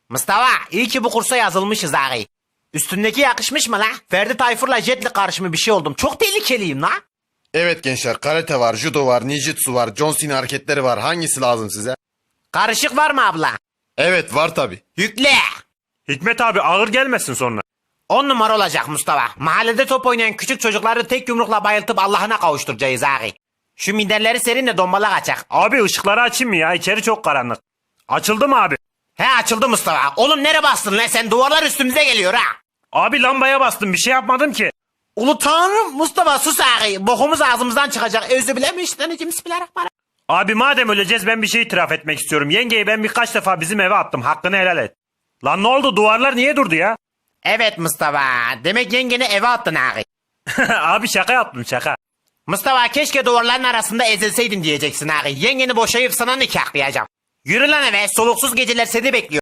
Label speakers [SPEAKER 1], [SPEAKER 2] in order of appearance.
[SPEAKER 1] Mustafa iyi ki bu kursa yazılmışız ağabey. Üstündeki yakışmış mı la? Ferdi Tayfur'la Jet'le karışımı bir şey oldum. Çok tehlikeliyim la.
[SPEAKER 2] Evet gençler, karate var, judo var, ninjutsu var, John Cena hareketleri var. Hangisi lazım size?
[SPEAKER 1] Karışık var mı abla?
[SPEAKER 2] Evet var tabi.
[SPEAKER 1] Yükle.
[SPEAKER 3] Hikmet abi ağır gelmesin sonra.
[SPEAKER 1] 10 numara olacak Mustafa. Mahallede top oynayan küçük çocukları tek yumrukla bayıltıp Allah'ına kavuşturacağız ağabey. Şu minderleri serinle dombalak açak.
[SPEAKER 3] Abi ışıkları açayım mı ya? İçeri çok karanlık. Açıldı mı abi?
[SPEAKER 1] He açıldı Mustafa. Oğlum nereye bastın lan sen? Duvarlar üstümüze geliyor ha.
[SPEAKER 3] Abi lambaya bastım bir şey yapmadım ki.
[SPEAKER 1] Ulu tanrım Mustafa sus ağabey. Bokumuz ağzımızdan çıkacak. Özü bilemişten bismillahirrahmanirrahim.
[SPEAKER 3] Abi madem öleceğiz ben bir şey itiraf etmek istiyorum. Yengeyi ben birkaç defa bizim eve attım. Hakkını helal et. Lan ne oldu, duvarlar niye durdu ya?
[SPEAKER 1] Evet Mustafa. Demek yengeni eve attın ağabey.
[SPEAKER 3] Abi şaka yaptım şaka.
[SPEAKER 1] Mustafa keşke duvarların arasında ezilseydin diyeceksin ağabey. Yengeni boşayıp sana nikahlayacağım. Yürü lan eve. Soluksuz geceler seni bekliyor.